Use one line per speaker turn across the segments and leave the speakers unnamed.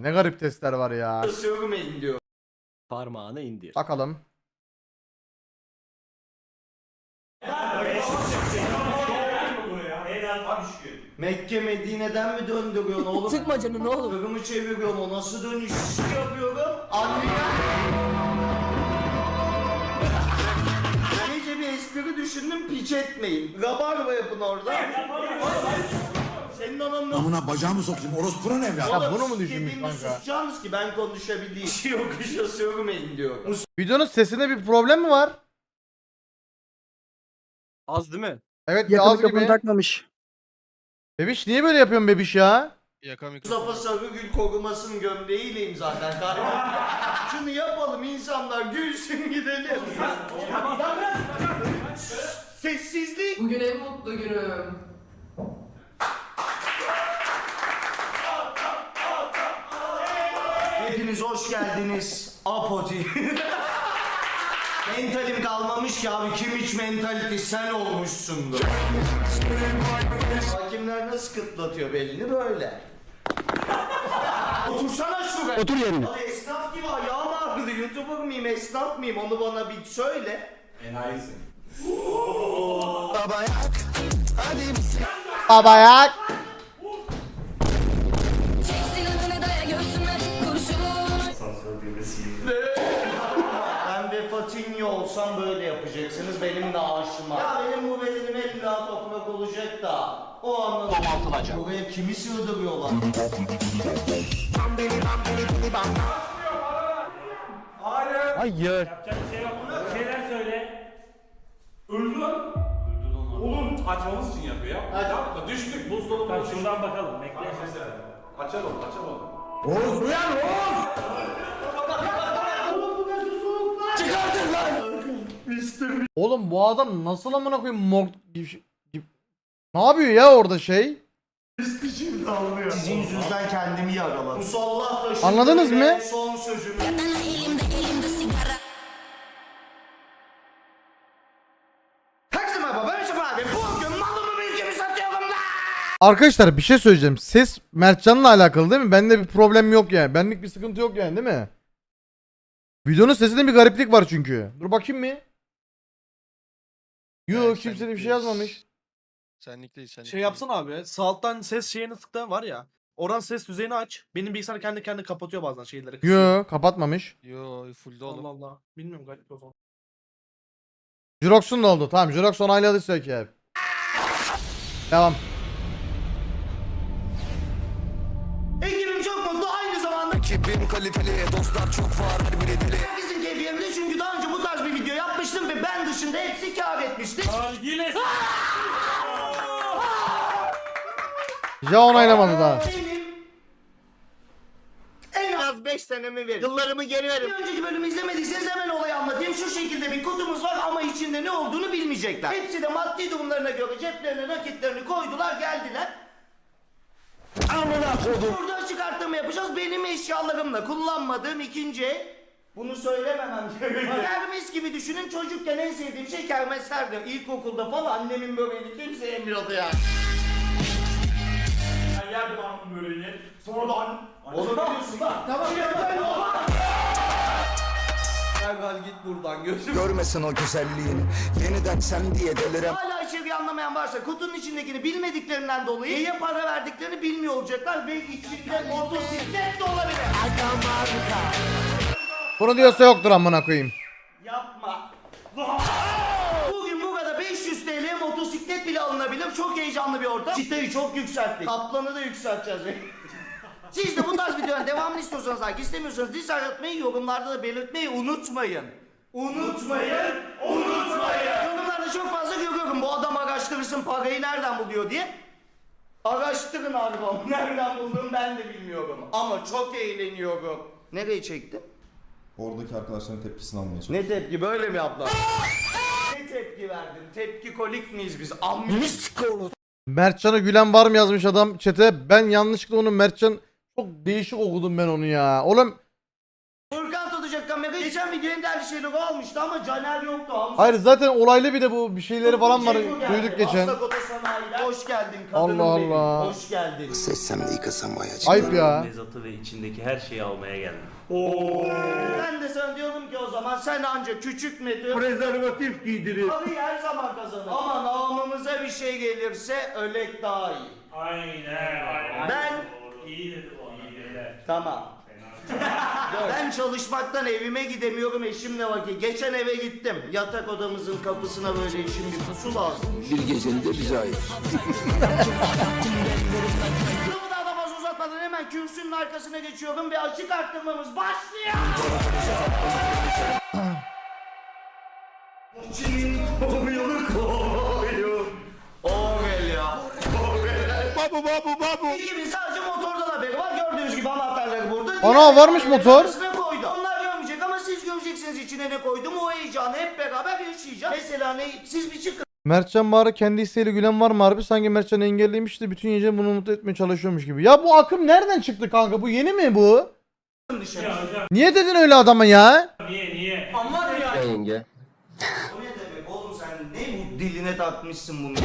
Ne garip testler var ya.
Sövmeyin diyor.
Parmağını indir.
Bakalım.
Mekke Medine'den mi döndürüyorsun oğlum?
Sıkma canını ne olur.
Kırımı çeviriyorsun, o nasıl dönüş yapıyorum? Anlayan. Gece bir espri düşündüm, piç etmeyin. Rabarba yapın orada. Senin ananın...
Amına bacağımı sokayım orospunun evladı.
Ya bunu mu düşünmüş
İstediğimde
kanka?
susacaksınız ki ben konuşabileyim. Yokuşa sövmeyin diyor.
Videonun sesinde bir problem mi var?
Az değil mi?
Evet
Yakını
az
kapını
gibi.
takmamış.
Bebiş niye böyle yapıyorsun bebiş ya?
Mustafa Sarıgül korumasının gömleğiyleyim zaten kardeşim. Şunu yapalım insanlar gülsün gidelim. Sessizlik.
Bugün en mutlu günüm.
Hepiniz hoş geldiniz. Apoti. Mentalim kalmamış ki abi, kim hiç mentality sen olmuşsundur. Hakimler nasıl kıtlatıyor belini böyle. Otursana şuraya.
Otur yerine.
Abi esnaf gibi ayağım ağrıdı. YouTuber mıyım, esnaf mıyım, onu bana bir söyle.
Babayak.
Ben ve Fatinho olsam böyle yapacaksınız benim de aşıma. Ya benim bu bedenim en daha toprak olacak da o anlamda domaltılacak. Buraya kimi sığdırıyorlar?
Hayır.
Şeyler söyle. Öldü lan. Oğlum açmamız için yapıyor ya. Yapma düştük buzdolabı. Tamam şuradan bakalım. Bekle. Açalım açalım.
Oğuz uyan Oğuz!
Oğlum bu adam nasıl amına koyayım Ne yapıyor ya orada şey?
Sizin yüzünüzden kendimi yaraladım. Musallah da
Anladınız mı?
Son sözümü. Herkese merhaba, ben Yusuf abi. Bugün malımı mülkümü satıyorum da.
Arkadaşlar bir şey söyleyeceğim. Ses Mertcan'la alakalı değil mi? Bende bir problem yok yani. Benlik bir sıkıntı yok yani değil mi? Videonun sesinde bir gariplik var çünkü. Dur bakayım mı? Yok kimse de bir şey yazmamış.
Senlik değil senlik
Şey yapsana abi. Sağ alttan ses şeyini tıkla var ya. Oradan ses düzeyini aç. Benim bilgisayar kendi kendine kapatıyor bazen şeyleri. kısıyor.
Yok kapatmamış.
değil. Yo fullde oğlum.
Allah Allah. Bilmiyorum garip o zaman.
Jurox'un da oldu. Tamam Jurox onayladıysa ki hep. Devam.
Ekibim çok mutlu, aynı zamanda ekibim kaliteli, dostlar çok var, herkesin keyfi yerinde çünkü daha önce bu tarz bir video yapmıştım ve ben dışında hepsi kâr etmişti.
Yine
Ja onaylamadı daha.
Benim en az 5 senemi verin. Yıllarımı geri verin. Bir önceki bölümü izlemediyseniz hemen olayı anlatayım. Şu şekilde bir kutumuz var ama içinde ne olduğunu bilmeyecekler. Hepsi de maddi durumlarına göre ceplerine nakitlerini koydular, geldiler. Amına koydum. Burada çıkartma yapacağız. Benim eşyalarımla kullanmadığım ikinci el. Bunu söylememem gerekiyor. Kermes gibi düşünün, çocukken en sevdiğim şey kermeslerdi. İlkokulda falan annemin böreğini kimse yemiyordu yani.
ben yerdim anamın böreğini. Sonradan.
Onu biliyorsun bak. Tamam ya. Ergal git buradan gözüm.
Görmesin o güzelliğini. Yeniden sen diye delirem.
Hala içeriği anlamayan varsa kutunun içindekini bilmediklerinden dolayı neye para verdiklerini bilmiyor olacaklar ve içinde motosiklet de olabilir.
Bunu diyorsa yoktur amına koyayım.
Yapma. Bugün burada 500 TL motosiklet bile alınabilir. Çok heyecanlı bir ortam. Çıtayı çok yükselttik. Kaplanı da yükselteceğiz. Siz de bu tarz videoların devamını istiyorsanız, like istemiyorsanız dislike atmayı, yorumlarda da belirtmeyi unutmayın. Unutmayın. Yorumlarda çok fazla görüyorum bu adam araştırırsın parayı nereden buluyor diye. Araştırın abi onu. Nereden bulduğumu ben de bilmiyorum. Ama çok eğleniyorum. Nereye çektin?
Oradaki arkadaşların tepkisini almaya çalışıyorum.
Ne tepki, böyle mi yaptılar? Ne tepki verdin? Tepki kolik miyiz biz?
Mertcan'a gülen var mı yazmış adam chat'e. Ben yanlışlıkla onu Mertcan çok değişik okudum ben onu ya. Oğlum
Furkan tutacak kamerayı. Geçen video en değerli şeyleri almıştı ama Caner yoktu. Hamza
Hayır zaten olaylı bir de bu bir şeyleri falan var.
Ceyhun geldi.
Duyduk geçen.
Aslakota Sanayi'den. Hoş geldin kadınım
Allah
benim.
Allah.
Hoş geldin.
Seçsem de yıkasam ayacık.
Ayıp ya.
Mezatı ve içindeki her şeyi almaya geldim.
Ben de sana diyorum ki o zaman sen anca küçük müdür?
Prezervatif giydirir.
Parayı her zaman kazanır. Ama namımıza bir şey gelirse ölek daha iyi.
Aynen.
Ben...
İyi dedi o. İyi dedi.
Tamam. Ben çalışmaktan evime gidemiyorum eşimle vakit. Geçen eve gittim. Yatak odamızın kapısına böyle eşim bir pusu lazım.
Bir gecenin de bize ait.
Lafı daha fazla uzatmadan hemen kürsünün arkasına geçiyorum ve açık arttırmamız başlıyor. Kimin kovuyor kovuyor. Orel ya. Babu. İkimiz sadece motordan haberi var. Gördüğünüz gibi anahtarları burada.
Ana, varmış motor.
Arasına koydu. Onlar görmeyecek ama siz göreceksiniz içine ne koydum. O heyecanı hep beraber yaşayacağız. Mesela ne? Siz bir çıkın
Mertcan Bahar'a kendi isteğiyle gülen var mı harbi? Sanki Mertcan'ı engellemiş de bütün gece bunu mutlu etmeye çalışıyormuş gibi. Ya bu akım nereden çıktı kanka? Bu yeni mi bu?
dışarı.
Niye dedin öyle adama ya?
Niye?
Yenge.
O ne demek oğlum sen ne bu diline takmışsın bunu?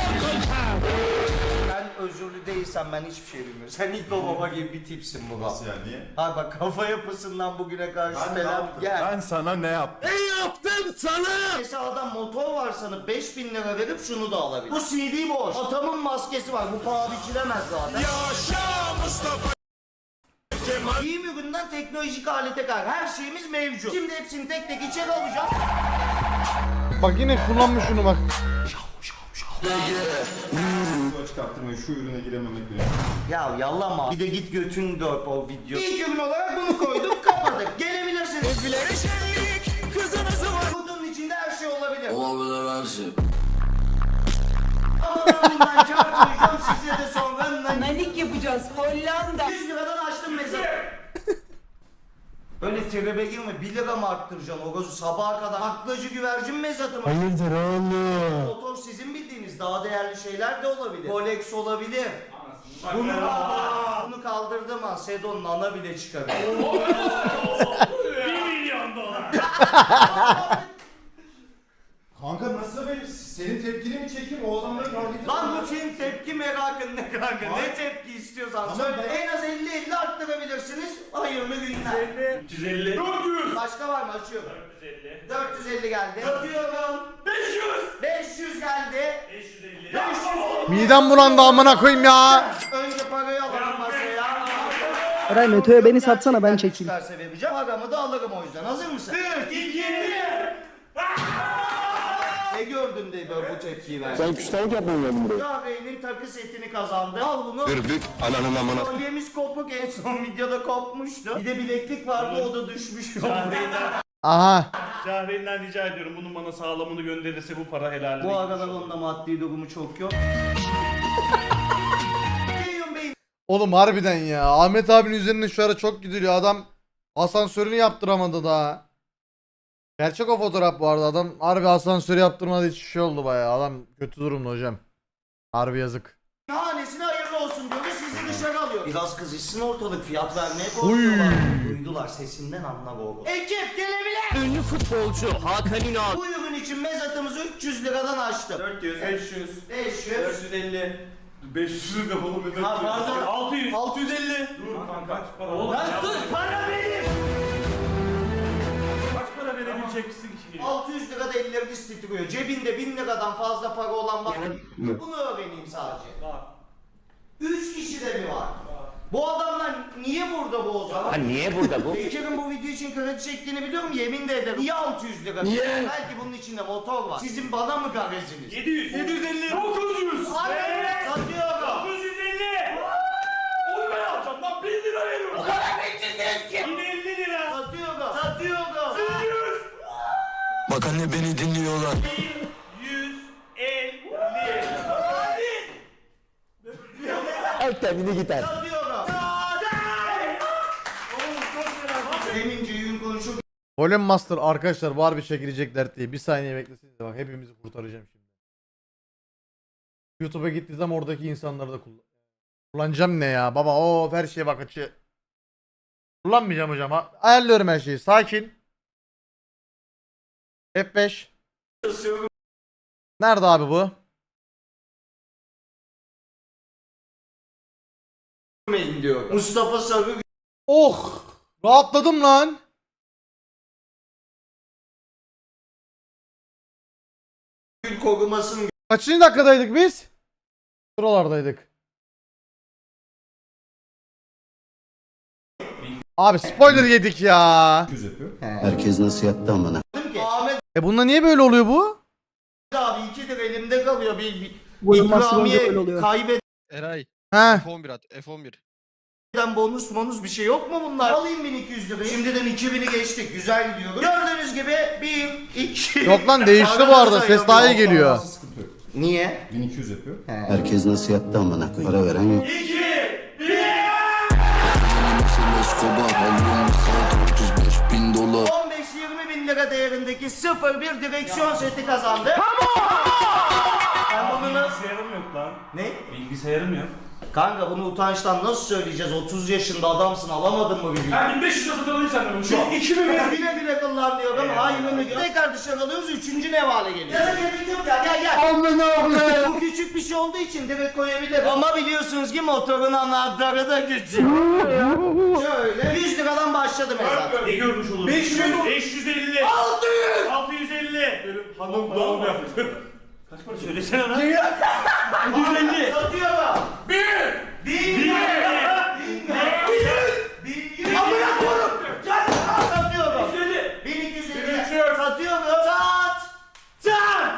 Ben özürlü değilsem ben hiçbir şey bilmiyorum. Sen ilk o baba gibi bir tipsin bu.
Nasıl yani niye?
Ha bak kafa yapısından bugüne karşı
Ben ne
falan
yaptım?
gel.
Ben sana ne yaptım?
Mesela adam motor var sana 5000 lira verip şunu da alabilir. Bu CD boş. Atamın maskesi var. Bu paha biçilemez zaten. Yaşa Mustafa Giyim üründen teknolojik alete kadar her şeyimiz mevcut. Şimdi hepsini tek tek içeri alacağız.
Bak yine kullanmış şunu bak.
Şu açık arttırmayı şu ürüne girememek benim.
Ya yallama. Bir de git götün dört o video. İlk ürün olarak bunu koyduk kapadık. Gelebilirsiniz. Kutunun içinde her şey olabilir.
Olabilir her şey.
Ama ben bundan kâr koyacağım size de sonra.
Nanik yapacağız. Hollanda.
100 liradan açtım mezarı. Öyle tribe girme 1 lira mı arttıracaksın o gözü sabaha kadar aklacı güvercin mezatı mı?
Hayırdır oğlum?
Motor sizin bildiğiniz daha değerli şeyler de olabilir. Rolex olabilir. Bunu kaldırdım ha Sedon'un ana bile çıkabilir.
$1 milyon.
Kanka nasıl benim? Senin tepkini mi çekeyim? O adamları gördük.
Lan bu senin tepki merakın ne kanka? Ne tepki istiyorsan
Tamam,
söyle.
ben-
En az 50-50 arttırabilirsiniz. Hayırlı günler.
350. 400.
Başka var mı? Açıyorum.
450.
450 geldi. Atıyorum.
500.
500 geldi.
550.
500.
Midem bulandı amına koyayım ya.
Önce parayı alalım masaya.
Eray Meto'ya beni satsana ben çekeyim.
Çıkarsa vereceğim. Paramı da alırım o yüzden. Hazır mısın? 1, 2, 1. Ne gördün de böyle bu tepkiyi verdin?
Ben küstahlık yapmıyorum buraya.
Kahve'nin takı setini kazandı. Al bunu.
Dürbük ananın amına.
Kolyemiz kopuk en son videoda kopmuştu. Bir de bileklik vardı o da düşmüş.
Aha.
Şahreyn'den rica ediyorum bunun bana sağlamını gönderirse bu para helal.
Bu aralar onun da maddi durumu çok yok. Ceyhun Bey
Oğlum harbiden ya. Ahmet abinin üzerine şu ara çok gidiliyor. Adam asansörünü yaptıramadı daha. Gerçek o fotoğraf bu arada. Adam harbi asansörü yaptırmadı hiç şey oldu bayağı. Adam kötü durumda hocam. Harbi yazık.
hanesine hayırlı olsun diyor ve sizi dışarı alıyor. Biraz kızışsın ortalık fiyat vermeye korkuyorlar. Duydular sesinden anla oğlum. Ekip gelebilir.
Ünlü futbolcu Hakan Ünal.
Bu ürün için mezatımızı 300 liradan açtım.
400, 500,
500.
450. 500 de oğlum ne
Ha, pardon.
600.
650.
Dur kanka kaç para? Oğlum
Lan sus para benim.
kaç para verebileceksin ki?
600 lira da elleriniz titriyor. Cebinde 1000 liradan fazla para olan var mı? Bunu öğreneyim sadece.
Var.
3 kişi de mi var? Bu adamlar niye burada bu o zaman?
Niye burada bu?
Bekir'in bu video için kredi çektiğini biliyorum yemin de ederim. Niye 600 lira? Niye? Belki bunun içinde motor var. Sizin bana mı gareziniz?
700. 750. 900.
Hayır, satıyorum.
950. Onu ben alacağım lan 1000 lira veriyorum. O kadar bekçisiniz ki. Yine 50 lira.
Satıyorum. Satıyorum.
100.
Bak anne beni dinliyorlar.
150.
Al kendine gider.
Satıyorum. Demince yün konuşup
Golem Master arkadaşlar var bir çekilecek dert diye. Bir saniye beklesenize bak hepimizi kurtaracağım şimdi. YouTube'a gittiği zaman oradaki insanları da kullanacağım ne ya baba o her şeye bak açı. Kullanmayacağım hocam. Ayarlıyorum her şeyi sakin. F5. Nerede abi bu?
diyor. Mustafa Sarı
Oh! Rahatladım lan.
Gül korumasının
Kaçıncı dakikadaydık biz? Buralardaydık. Abi spoiler yedik ya.
Herkes nasıl yattı amına.
ki Ahmet
Bunda niye böyle oluyor bu?
abi 2'dir elimde kalıyor. Bir
Vurulması böyle
ikramiye
oluyor.
kaybeden
Eray
He.
F11 at F11.
bonus bir şey yok mu bunlar? Alayım 1200 lirayı. Şimdiden 2000'i geçtik. Güzel gidiyoruz. Gördüğünüz gibi 1, 2...
Yok lan değişti bu arada. Ses daha iyi geliyor.
Niye?
1200 yapıyor.
Herkes nasıl yattı amına. Para veren yok.
15-20 bin lira değerindeki 01 direksiyon seti kazandı. Ben bunu
Bilgisayarım yok lan.
Ne?
Bilgisayarım yok.
Kanka bunu utançtan nasıl söyleyeceğiz? 30 yaşında adamsın, alamadın mı bir bilgi?
Ben 1500 lira satın alayım senden bunu şu an.
2000 lira bile bile kullanmıyor ama hayrını gör. Tekrar dışarı alıyoruz, 3. nevale geliyor. Ya da gerek yok ya, gel. Bu küçük bir şey olduğu için direkt koyabilirim. Ama biliyorsunuz ki motorun anahtarı da küçük. Şöyle 100 liradan başladı mesela.
Ne görmüş olur? 500, 550, 600, 650. Benim hanım doğum yaptı. Kaç para söylesene lan? 750.
Satıyorum.
1000.
1100. Amına koyayım. Satıyorum. 1250. Satıyorum. Sat.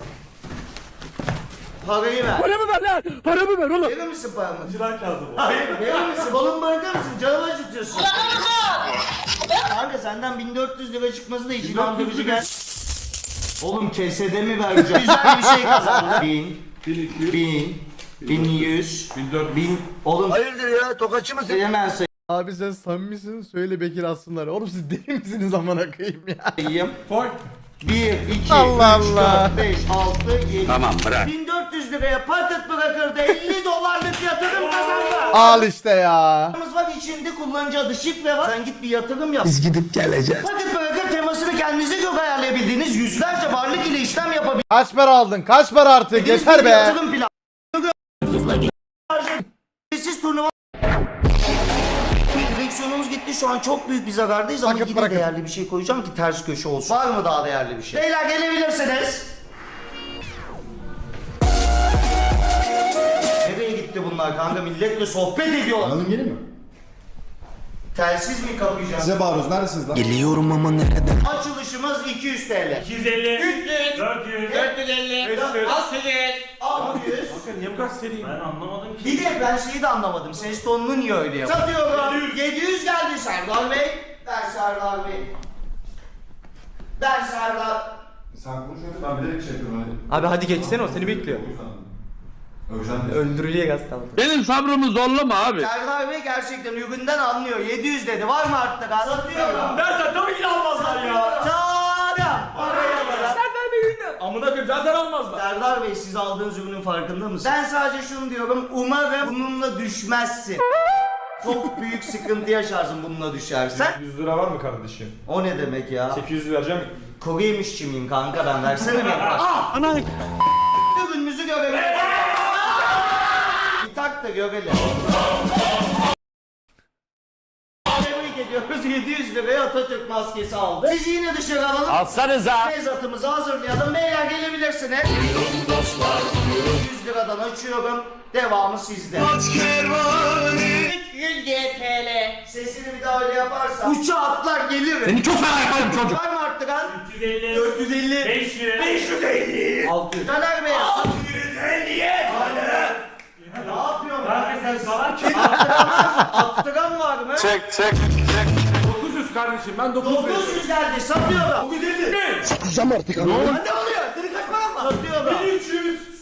Parayı ver.
Paramı ver lan. Paramı ver oğlum.
Verir misin paramı?
Çırak kağıdı bu.
Hayır, verir misin? Balon bırakır mısın? Canımı acıtıyorsun. Kanka senden 1400 lira çıkması da hiç inandırıcı gel. Oğlum kesede mi vereceğim? Güzel bir şey kazandı. 1000, 1100, 1000. Oğlum hayırdır ya? Tokatçı mısın? Hemen
Abi sen samimisin söyle Bekir aslınlar. Oğlum siz deli misiniz amına koyayım ya?
sayayım.
Koy.
1, 2,
Allah
3,
Allah.
4, 5, 6, 7. Tamam bırak. 1400 liraya paket bırakırdı. 50 dolarlık yatırım kazandı.
Al işte ya.
Var içinde kullanıcı adı şifre var. Sen git bir yatırım yap.
Biz gidip geleceğiz.
Paket bırakır temasını kendinize göre ayarlayabildiğiniz yüzlerce varlık ile işlem yapabildiğiniz
Kaç para aldın? Kaç para artık? Yeter
bir
be.
yatırım planı. Siz turnuva direksiyonumuz gitti, şu an çok büyük bir zarardayız ama
Paket
yine
bırakın.
değerli bir şey koyacağım ki ters köşe olsun. Var mı daha değerli bir şey? Beyler gelebilirsiniz. Nereye gitti bunlar kanka? Milletle sohbet ediyorlar.
Alalım gelin mi?
Telsiz mi kapayacağız?
Size bağırıyoruz. Neredesiniz lan?
Geliyorum ama nereden?
Açılışımız 200 TL.
250,
300,
400,
450,
500,
600.
Bakın niye bu kadar seriyim? Ben anlamadım ki.
Bir de ben şeyi de anlamadım. Ses tonunu niye öyle yapıyor? Satıyorum. 700 geldi Serdar Bey. Ver Serdar Bey. Ver Serdar.
Sen konuşuyorsun. Ben bilerek şey yapıyorum hadi.
Abi hadi geçsene o seni bekliyor.
Öveceğim diye.
Öldürücüye gaz kaldı.
Benim sabrımı zorlama abi.
Serdar Bey gerçekten üründen anlıyor. 700 dedi. Var mı arttı gaz? Satıyorum.
Dersen tabii ki de almazlar ya.
Satıyorum. Parayı alırım.
Amına koyayım zaten almazlar.
Serdar Bey siz aldığınız ürünün farkında mısınız? Ben sadece şunu diyorum. Umarım bununla düşmezsin. Çok büyük sıkıntı yaşarsın bununla düşersen.
100 lira var mı kardeşim?
O ne demek ya?
800 vereceğim.
Kuru yemişçi miyim kanka ben? Versene beni.
Ana.
Ürününüzü görelim. Bir tak da görelim. Tebrik ediyoruz. 700 liraya Atatürk maskesi aldı. Sizi yine dışarı alalım.
Alsanıza.
Mezatımızı hazırlayalım. Beyler gelebilirsiniz. 100 liradan açıyorum. Devamı sizde. 300 TL. Sesini bir daha öyle yaparsan uça atlar gelirim. Seni çok fena yaparım çocuk. Var mı arttıran?
350,
450,
500,
550, 600. Caner Bey. 650. Ne yapıyorsun?
Kanka sen salak.
Attıran var mı?
Çek.
900 kardeşim ben 900 veriyorum.
900 geldi. Satıyorum.
950.
Sıkacağım artık ama.
Ne oluyor? Senin kaç paran var? Satıyorum.
1300.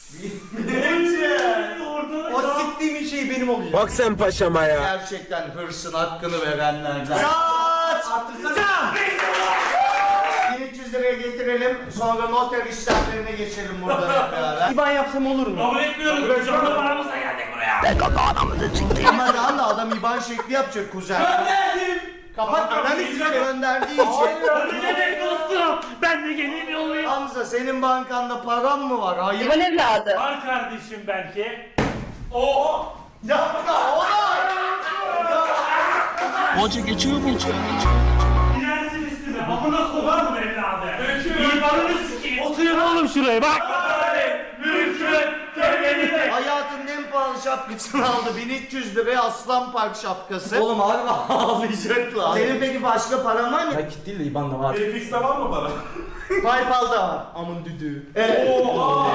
O siktiğim şey benim olacak.
Bak sen paşama ya.
Gerçekten hırsın hakkını verenlerden. Sat! Arttırsana! 1300 liraya getirelim. Sonra noter işlemlerine geçelim burada hep beraber.
İban yapsam olur mu?
Kabul etmiyoruz. Şu anda paramızla geldik buraya.
Ama daha da adam IBAN şekli yapacak kuzen.
Gönderdim.
Kapat
Analizi gönderdiği için.
Ne demek dostum? Ben de geleyim yollayayım.
Hamza senin bankanda param mı var? Hayır.
İvan evladı.
Var kardeşim belki.
Yapma oğlum.
Hoca geçiyor mu?
Gidersin üstüme. Amına koyarım evladı. İmanını sikeyim. Oturun oğlum şuraya bak. Mümkün. Temelini.
Hayatının en pahalı şapkasını aldı. 1300 liraya Aslan Park şapkası. Oğlum harbi ağlayacaklar. Senin peki başka paran var mı?
Nakit değil de IBAN'da var.
Fix'te var mı para?
PayPal'da var. Amın düdüğü.
Oo.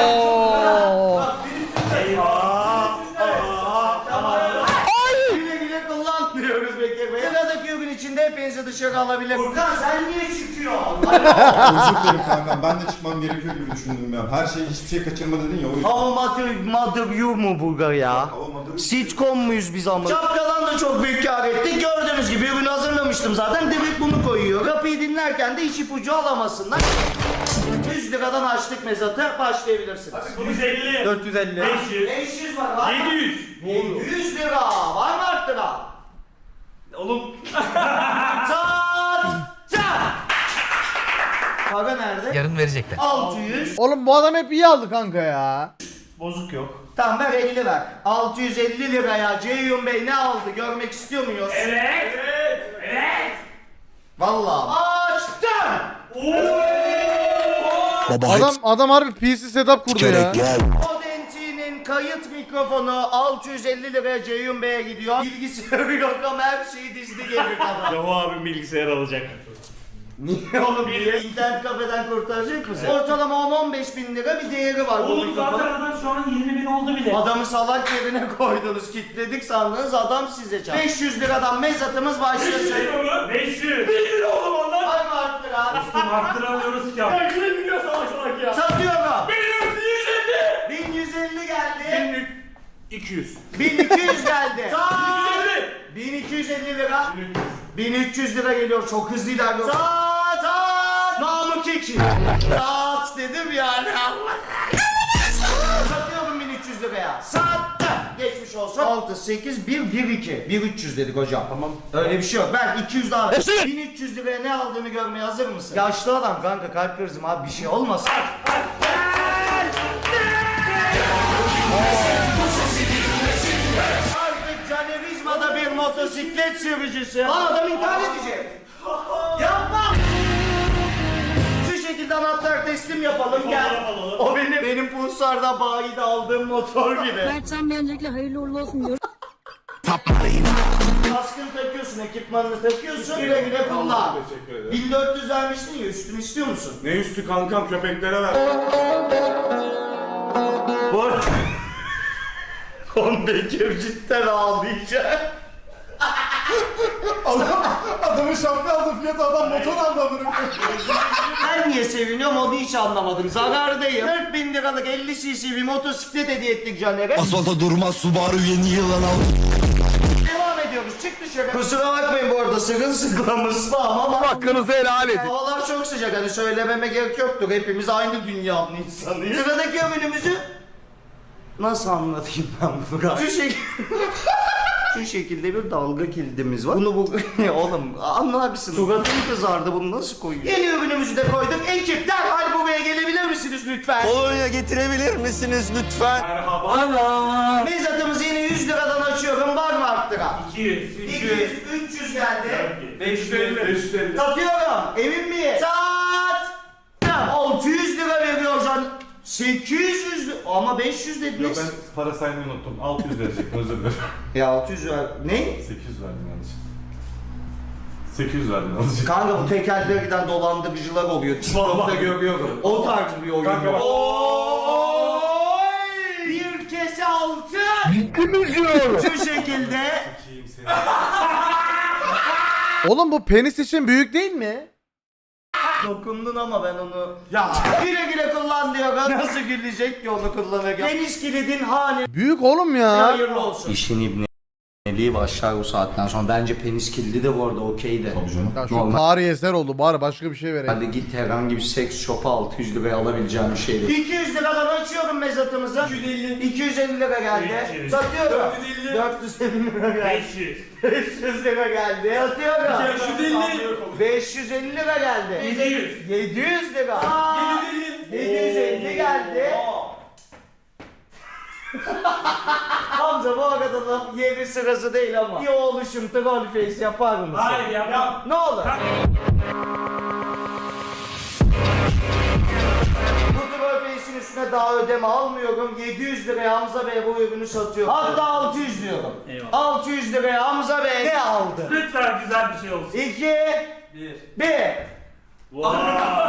Güle güle kullan diyoruz Bekir Bey. Sıradaki gün içinde hepinizi dışarı alabilir. Furkan sen niye çıkıyorsun?
Özür dilerim kankam. Ben de çıkmam gerekiyor gibi düşündüm ya. Her şey hiçbir şey kaçırma dedin ya o yüzden.
How mother you mu Bulgar ya? Sitcom muyuz biz ama? Şapkadan da çok büyük kar ettik. Gördüğünüz gibi ürünü hazırlamıştım zaten. Direkt bunu koyuyor. Kapıyı dinlerken de hiç ipucu alamasınlar. 100 liradan açtık mezatı. Başlayabilirsiniz.
150.
450.
500.
500 var.
700.
700 lira. Var mı arttıran?
Oğlum.
Çat! Çat! Para nerede?
Yarın verecekler.
600.
Oğlum bu adam hep iyi aldı kanka ya.
Bozuk yok.
Tamam ver 50 ver. 650 liraya Ceyhun Bey ne aldı görmek istiyor muyuz?
Evet. Evet.
Vallahi. Açtım.
Adam harbi PC setup kurdu ya.
Audenti'nin kayıt mikrofonu 650 liraya Ceyhun Bey'e gidiyor. Bilgisayarı yok ama her şeyi dizdi geri kadar.
Yahu abim bilgisayar alacak.
Niye oğlum niye? İnternet kafeden kurtaracak mısın? Ortalama 10-15 bin lira bir değeri var bu
Oğlum zaten
mikrofonun.
adam şu an 20 bin oldu bile.
Adamı salak yerine koydunuz, kilitledik sandınız, adam size çarptı. 500 liradan mezatımız başlasın.
500. 1 lira oğlum ondan.
Var mı arttıran?
Dostum arttıramıyoruz ki abi. Ya kime gidiyor salak salak ya.
Satıyorum.
1150.
1150 geldi.
200.
1200 geldi.
150.
1250 lira. 1300 lira geliyor, çok hızlı ilerliyor. Saat saat. Namık Eki. Saat dedim yani. Satıyorum 1300 liraya. Sattım. Geçmiş olsun. 6, 8, 1, 1, 2. 1300 dedik hocam. Tamam. Öyle bir şey yok. Ben 200 daha. 1300 liraya ne aldığını görmeye hazır mısın? Yaşlı adam kanka, kalp krizim abi, bir şey olmasın. Artık Canerizma'da bir motosiklet sürücüsü. Lan adam intihar edecek. Yapma. Şu şekilde anahtar teslim yapalım, gel. O benim Pulsar'da bayide aldığım motor gibi.
Mertcan Bey öncelikle hayırlı uğurlu olsun diyorum.
Kaskını takıyorsun, ekipmanını takıyorsun, güle güle kullan.
Teşekkür ederim.
1400 vermiştin ya, üstünü istiyor musun?
Ne üstü kankam, köpeklere ver.
Bu arada... Oğlum Bekir cidden ağlayacak.
Adamın şapka aldı fiyatı adam motor aldı adamın.
Ben niye seviniyorum onu hiç anlamadım. Zarardayım. 4000 liralık 50 cc bir motosiklet hediye ettik Caner'e.
Asfalta durmaz Subaru yeni yılan al.
Devam ediyoruz. Çık dışarı. Kusura bakmayın bu arada, sırılsıklamız ama
Hakkınızı helal edin.
havalar çok sıcak, hani söylememe gerek yoktur. Hepimiz aynı dünyanın insanıyız. Sıradaki ürünümüzü nasıl anlatayım ben bunu? Şu şekilde bir dalga kilidimiz var. Bunu bu... Oğlum anlarsın. Suratım kızardı, bunu nasıl koyuyor? Yeni ürünümüzü de koyduk. Ekip derhal buraya gelebilir misiniz lütfen?
Kolonya getirebilir misiniz lütfen?
Merhaba.
Mezatımızı yine 100 liradan açıyorum. Var mı arttıran?
200.
200, 300 geldi.
550. 550.
Satıyorum. Emin miyim? Sat! 600 lira veriyor can. 800 lira. Ama 500 dediniz.
Yok ben para saymayı unuttum. 600 verecektim, özür dilerim.
Ya 600 ver. Ne?
800 verdim yanlış. 800 verdim yanlış.
Kanka bu tekerlere giden dolandırıcılar oluyor. TikTok'ta görüyorum. O tarz bir oyun.
Kanka bak.
Oy! Bir kese altın. Bittiniz diyor. Şu şekilde.
Oğlum bu penis için büyük değil mi?
Dokundun ama ben onu... Ya güle güle kullan diyorum. Nasıl gülecek ki onu kullanırken? Deniz kilidin hali
Büyük oğlum ya.
hayırlı olsun. İşin ibni. Neliği başlar bu saatten sonra. Bence penis kilidi de bu arada okey de.
Tabii canım.
Ya şu
Normal.
tarihi eser oldu bari başka bir şey vereyim.
Hadi git herhangi bir seks shop'a 600 liraya alabileceğim bir şey değil. 200 liradan açıyorum mezatımızı. 250 lira geldi.
300.
Satıyorum.
450.
450 lira geldi.
500.
500 lira geldi. Satıyorum.
550.
550 lira geldi.
700.
700 lira. 750 geldi. Hamza bu arada da yeri sırası değil ama. Bir oluşum troll face yapar mısın?
Hayır yapmam.
Ne olur? Bu troll face'in üstüne daha ödeme almıyorum. 700 liraya Hamza Bey bu ürünü satıyor. Hatta 600 diyorum.
Eyvallah.
600 liraya Hamza Bey ne aldı?
Lütfen güzel bir şey olsun.
2 1
Wow.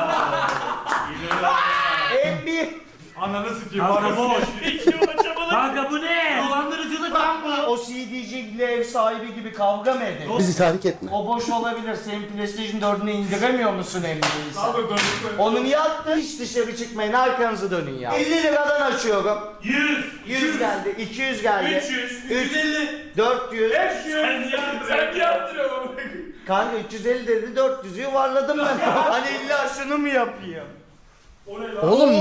bir
Ananı sikeyim. Kanka boş. Kanka bu ne? Dolandırıcılık lan bu.
O CD'ciyle ev sahibi gibi kavga mı edin?
Bizi tahrik etme.
O boş olabilir. Senin PlayStation 4'ünü indiremiyor musun emniyeyse? Onu niye attın? Hiç dışarı çıkmayın. Arkanızı dönün ya. 50 liradan açıyorum.
100.
100 geldi. 200 geldi.
300. 350.
400.
500. Sen yaptırıyorsun.
Kanka 350 dedi 400'ü yuvarladım ben. Hani illa şunu mu yapayım?
O ne lan?
Oğlum.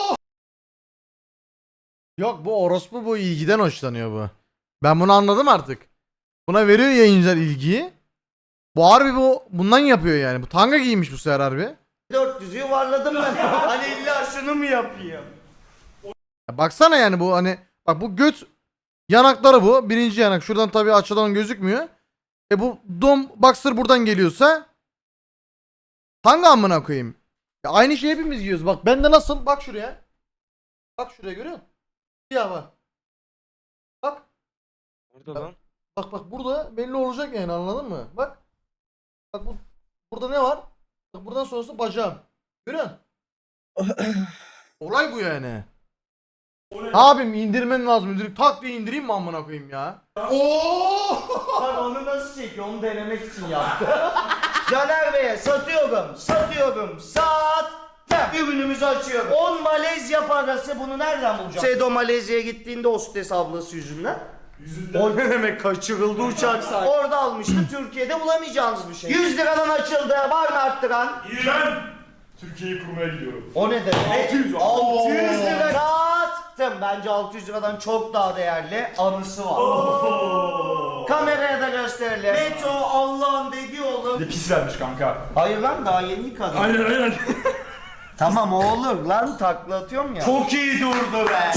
Yok bu orospu bu ilgiden hoşlanıyor bu. Ben bunu anladım artık. Buna veriyor yayıncılar ilgiyi. Bu harbi bundan yapıyor yani. Bu tanga giymiş bu sefer harbi.
400'ü yuvarladım ben. Hani illa şunu mu yapayım?
Ya baksana yani bu hani bak bu göt yanakları bu. Birinci yanak. Şuradan tabii açıdan gözükmüyor. Bu dom boxer buradan geliyorsa tanga amına koyayım. Ya aynı şeyi hepimiz giyiyoruz. Bak bende nasıl? Bak şuraya. Bak şuraya görüyor musun? Ya bak. Bak.
Orada lan.
Bak burada belli olacak yani anladın mı? Bak. Bak burada ne var? Bak buradan sonrası bacağım. Görüyor musun? Olay bu yani. Abim indirmen lazım. İndirip tak diye indireyim mi amına koyayım ya?
Bak onu nasıl çekiyor? Onu denemek için yaptı. Caner Bey'e satıyorum. Sattım. Ürünümüzü açıyorum. 10 Malezya parası bunu nereden bulacağım? Sedo Malezya'ya gittiğinde hostes ablası yüzünden. O ne demek kaçırıldı uçak sahibi. Orada almıştı. Türkiye'de bulamayacağınız bir şey. 100 liradan açıldı. Var mı arttıran?
Ben Türkiye'yi kurmaya gidiyorum.
O ne demek? 600 lira. Sattım. Bence 600 liradan çok daha değerli anısı var. Kameraya da gösterelim. Meto Allah'ın dediği oğlum.
Ne pis vermiş kanka.
Hayır lan daha yeni yıkadım.
Aynen.
Tamam o olur lan takla atıyorum ya. Çok iyi durdu be.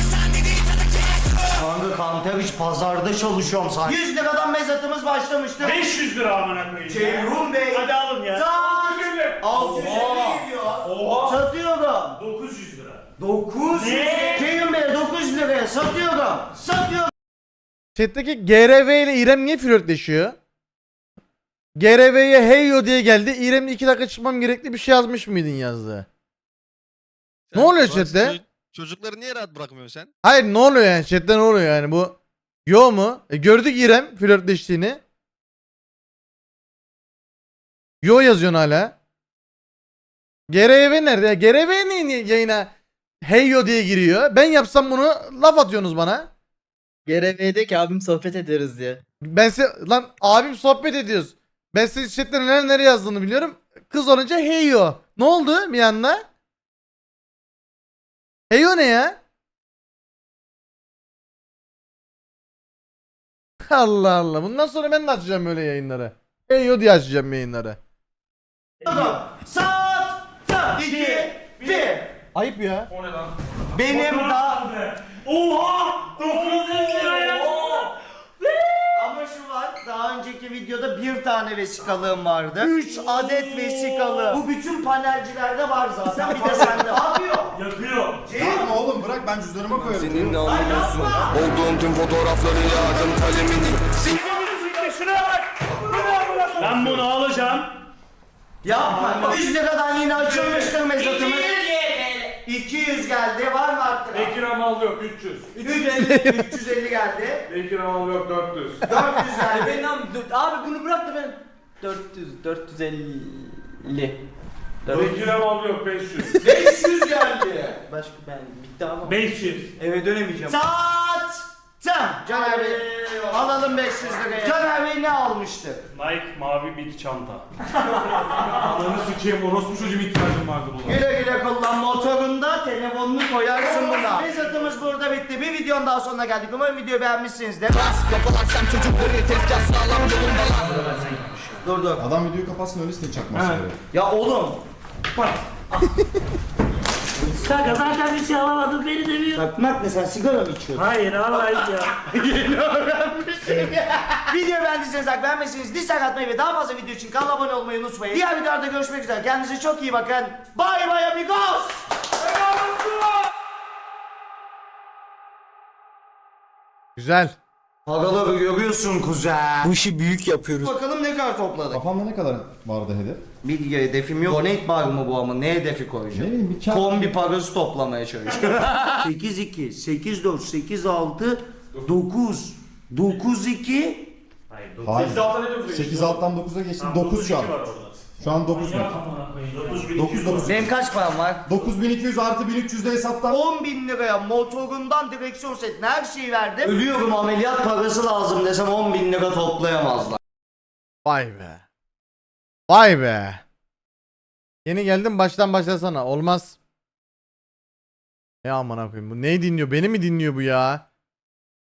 Kanka Kanter hiç pazarda çalışıyorum sanki. 100 liradan mezatımız başlamıştı.
500 lira amına koyayım.
Ceyhun Bey.
Hadi alın ya.
Saat 650 geliyor. Satıyorum.
900 lira.
900.
Ne?
Ceyhun Bey 900 liraya satıyorum.
Chat'teki GRV ile İrem niye flörtleşiyor? GRV'ye hey yo diye geldi. İrem'le 2 dakika çıkmam gerekli bir şey yazmış mıydın yazdı. Ne oluyor chatte?
Çocukları niye rahat bırakmıyorsun sen?
Hayır ne oluyor yani chatte ne oluyor yani bu? Yo mu? Gördük İrem flörtleştiğini. Yo yazıyorsun hala. GRV nerede ya? GRV niye yayına hey yo diye giriyor? Ben yapsam bunu laf atıyorsunuz bana.
GRV'de ki abim sohbet ederiz diye.
Ben size lan abim sohbet ediyoruz. Ben size chatte neler yazdığını biliyorum. Kız olunca hey yo. Ne oldu bir anda? Hey yo ne ya? Allah Allah. Bundan sonra ben de açacağım böyle yayınları. Hey yo diye açacağım yayınları.
Saat 2 1.
Ayıp ya.
O ne lan?
Benim da
Oha! 900 lira ya.
ama şu var. Daha önceki videoda bir tane vesikalığım vardı. 3 adet vesikalı. Bu bütün panelcilerde var zaten. Bir de sende. Ne yapıyor?
Yakıyor.
Yapma oğlum bırak ben cüzdanıma koyarım.
Seninle anlamıyorsun. Olduğum tüm fotoğrafları yağdım kalemini.
Şuraya bak. Ben bunu alacağım.
Yapma. 100 liradan yine açılmıştır mezatımız. 200 geldi. Var mı arttıran?
Bekir Amal yok 300.
350 geldi.
Bekir Amal yok 400.
400 geldi.
Abi bunu bırak da ben 450.
Bekir Amal yok 500.
500 geldi.
Başka ben bitti ama.
500.
Eve dönemeyeceğim.
Saat Sen Caner Bey alalım 500 liraya. Caner Bey ne almıştı?
Nike mavi bir çanta. Ananı sikeyim orospu çocuğum ihtiyacım vardı buna.
Güle güle kullan, motorunda telefonunu koyarsın buna. Mezatımız burada bitti. Bir videonun daha sonuna geldik. Umarım videoyu beğenmişsinizdir. Dur.
Adam videoyu kapatsın öyle seni çakması gerek.
Ya oğlum.
Kanka zaten bir şey alamadım beni demiyor.
Takmak ne, sen sigara mı içiyorsun?
Hayır Allah ya.
Yeni öğrenmişim ya. Videoyu beğendiyseniz like, beğenmezseniz dislike atmayı ve daha fazla video için kanala abone olmayı unutmayın. Diğer videolarda görüşmek üzere. Kendinize çok iyi bakın. Bye bye amigos.
Güzel.
Paraları görüyorsun kuzen.
Bu işi büyük yapıyoruz.
Bakalım ne kadar topladık.
Kafamda ne kadar vardı hedef?
Bir hedefim yok. Donate bar mı bu ama? Ne hedefi koyacağım?
Ne bileyim bir kağıt.
Kombi parası toplamaya çalışıyorum. 8-2, 8-4, 8-6, 9, 9-2.
Hayır.
8 alttan ne diyorsun?
8 alttan 9'a geçtim. 9 şu an. Şu an 9 mu? 9.
Benim kaç param var?
9200 artı 1300 de hesaptan.
10.000 liraya motorundan direksiyon setine her şeyi verdim. Ölüyorum, ameliyat parası lazım desem 10.000 lira toplayamazlar.
Vay be. Vay be. Yeni geldim, baştan başlasana. Olmaz. Ne amına koyayım, bu neyi dinliyor? Beni mi dinliyor bu ya?